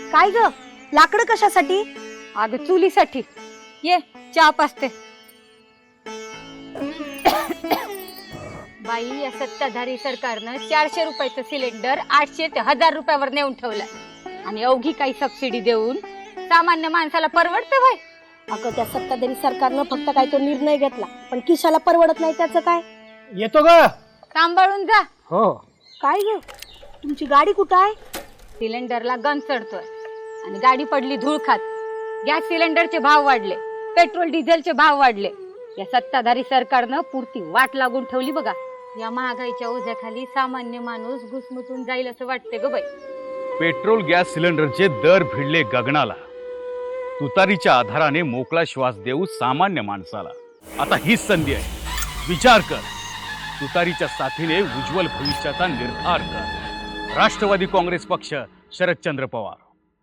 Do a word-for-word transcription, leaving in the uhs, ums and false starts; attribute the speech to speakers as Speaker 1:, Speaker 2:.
Speaker 1: काय ग, लाकडं कशासाठी?
Speaker 2: अगं चुलीसाठी. ये चहा पाजते. बाई, या सत्ताधारी सरकारनं चारशे रुपयाचं सिलेंडर आठशे ते हजार रुपयावर नेऊन ठेवलं आणि अवघी काही सबसिडी देऊन सामान्य माणसाला परवडतं भाई?
Speaker 1: अगं, त्या सत्ताधारी सरकारनं फक्त काय तो निर्णय घेतला, पण किशाला परवडत नाही त्याचं काय?
Speaker 3: येतो ग.
Speaker 2: सांभाळून जा.
Speaker 3: हो.
Speaker 1: काय ग, तुमची गाडी कुठं आहे?
Speaker 2: सिलेंडरला गंज चढतोय आणि गाडी पडली धूळ खात. गॅस सिलेंडरचे भाव वाढले, पेट्रोल डिझेलचे भाव वाढले. या सत्ताधारी सरकारनं पुरती वाट लागून ठेवली बघा. या महागाईच्या ओझ्याखाली सामान्य माणूस घुसमुसून जाईल असं वाटते ग बाई.
Speaker 4: पेट्रोल गॅस सिलेंडरचे दर भिडले गगनाला. तुतारीच्या आधाराने मोकळा श्वास देऊ सामान्य माणसाला. आता हीच संधी आहे. विचार कर. तुतारीच्या साथीने उज्ज्वल भविष्याचा निर्धार कर. राष्ट्रवादी काँग्रेस पक्ष, शरदचंद्र पवार.